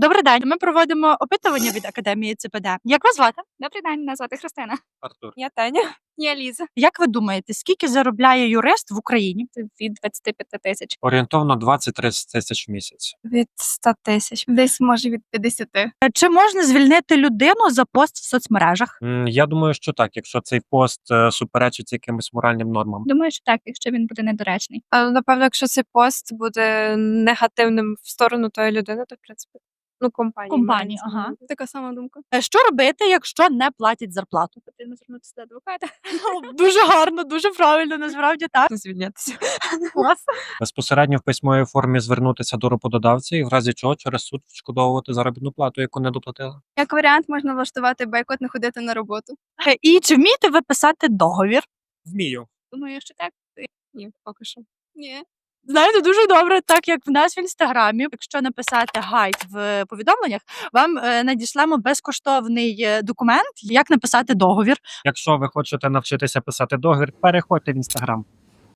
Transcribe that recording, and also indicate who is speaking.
Speaker 1: Добрий день. Ми проводимо опитування від Академії ЦПД. Як вас звати?
Speaker 2: Добрий день, мене звати Христина.
Speaker 3: Артур.
Speaker 2: Я Таня. Я Ліза.
Speaker 1: Як ви думаєте, скільки заробляє юрист в Україні?
Speaker 2: Це від 25 тисяч.
Speaker 3: Орієнтовно 20-30 тисяч в місяць.
Speaker 2: Від 100 тисяч. Десь, може, від 50.
Speaker 1: Чи можна звільнити людину за пост в соцмережах?
Speaker 3: Я думаю, що так, якщо цей пост суперечить якимось моральним нормам.
Speaker 2: Думаю, що так, якщо він буде недоречний.
Speaker 4: Але, напевно, якщо цей пост буде негативним в сторону тої людини, то, в принципі, компанії.
Speaker 1: Компанії, ага.
Speaker 2: Така сама думка.
Speaker 1: Що робити, якщо не платять зарплату?
Speaker 2: Потрібно звернутися до адвоката.
Speaker 1: Дуже гарно, дуже правильно, насправді так.
Speaker 4: Звільнятися.
Speaker 1: Клас.
Speaker 3: Безпосередньо в письмовій формі звернутися до роботодавця і в разі чого через суд відшкодовувати заробітну плату, яку не доплатили.
Speaker 2: Як варіант, можна влаштувати бойкот, не ходити на роботу.
Speaker 1: І чи вмієте ви писати договір?
Speaker 3: Вмію.
Speaker 2: Думаю, що так.
Speaker 4: Ні, поки що.
Speaker 2: Ні.
Speaker 1: Знаєте, дуже добре, так як в нас в інстаграмі. Якщо написати гайд в повідомленнях, вам надішлемо безкоштовний документ, як написати договір.
Speaker 3: Якщо ви хочете навчитися писати договір, переходьте в інстаграм.